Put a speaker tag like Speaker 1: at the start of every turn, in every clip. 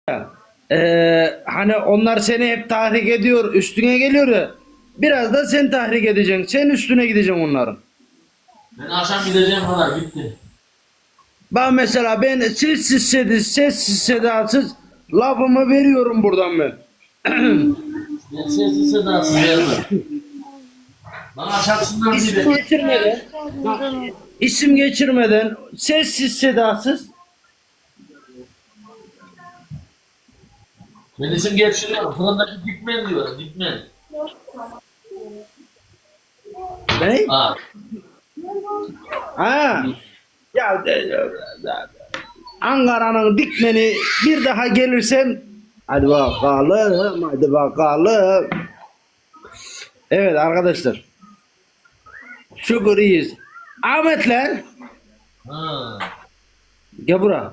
Speaker 1: Hani onlar seni hep tahrik ediyor, üstüne geliyor ya. Biraz da sen tahrik edeceksin. Sen üstüne gideceksin onların.
Speaker 2: Ben akşam gideceğim kadar gitti.
Speaker 1: Bak mesela ben sessiz sedasız lafımı veriyorum buradan ben.
Speaker 2: Ben sessiz sedasız vermem. Bana çarpsınlar
Speaker 1: İsim
Speaker 2: gibi.
Speaker 1: geçirmeden, bak, isim geçirmeden sessiz sedasız.
Speaker 2: Ben isim geçiriyorum. Fırındaki dikmen diyor. Dikmen.
Speaker 1: Ne?
Speaker 2: Ha.
Speaker 1: Ha. Ankara'nın dikmeni bir daha gelirsen hadi bakalım, hadi bakalım. Evet arkadaşlar. Şükür iyiyiz. Ahmet lan.
Speaker 2: Ha.
Speaker 1: Gel buraya.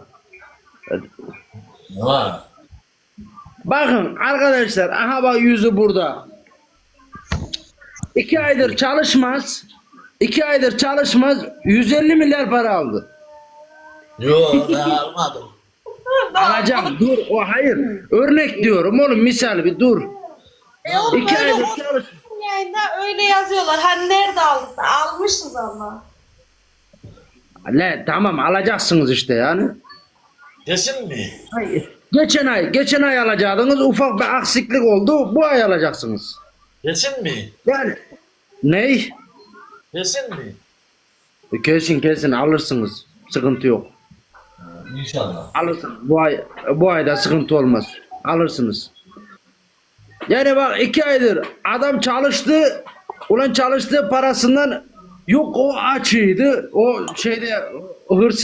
Speaker 2: Ne var?
Speaker 1: Bakın arkadaşlar, aha bak yüzü burada. 2 aydır çalışmaz. 2 aydır çalışmaz. 150 milyar para aldı.
Speaker 2: Yok daha almadım.
Speaker 1: Alacağım. Dur. O hayır. Örnek diyorum oğlum, misal bir dur.
Speaker 3: Oğlum
Speaker 1: 2
Speaker 3: öyle
Speaker 1: aydır
Speaker 3: olsun
Speaker 1: çalış.
Speaker 3: yayında öyle yazıyorlar. Hani nerede aldık? Almışız ama.
Speaker 1: Ne tamam, alacaksınız işte yani.
Speaker 2: Kesin mi?
Speaker 1: Hayır. Geçen ay alacaktınız, ufak bir aksiklik oldu. Bu ay alacaksınız.
Speaker 2: Kesin mi?
Speaker 1: Yani ney?
Speaker 2: Kesin mi?
Speaker 1: Kesin alırsınız. Sıkıntı yok.
Speaker 2: İnşallah.
Speaker 1: Alırsınız. Bu ayda sıkıntı olmaz. Alırsınız. Yani bak 2 aydır adam çalıştı. Ulan çalıştığı parasından yok, o açıydı. O şeyde hırsız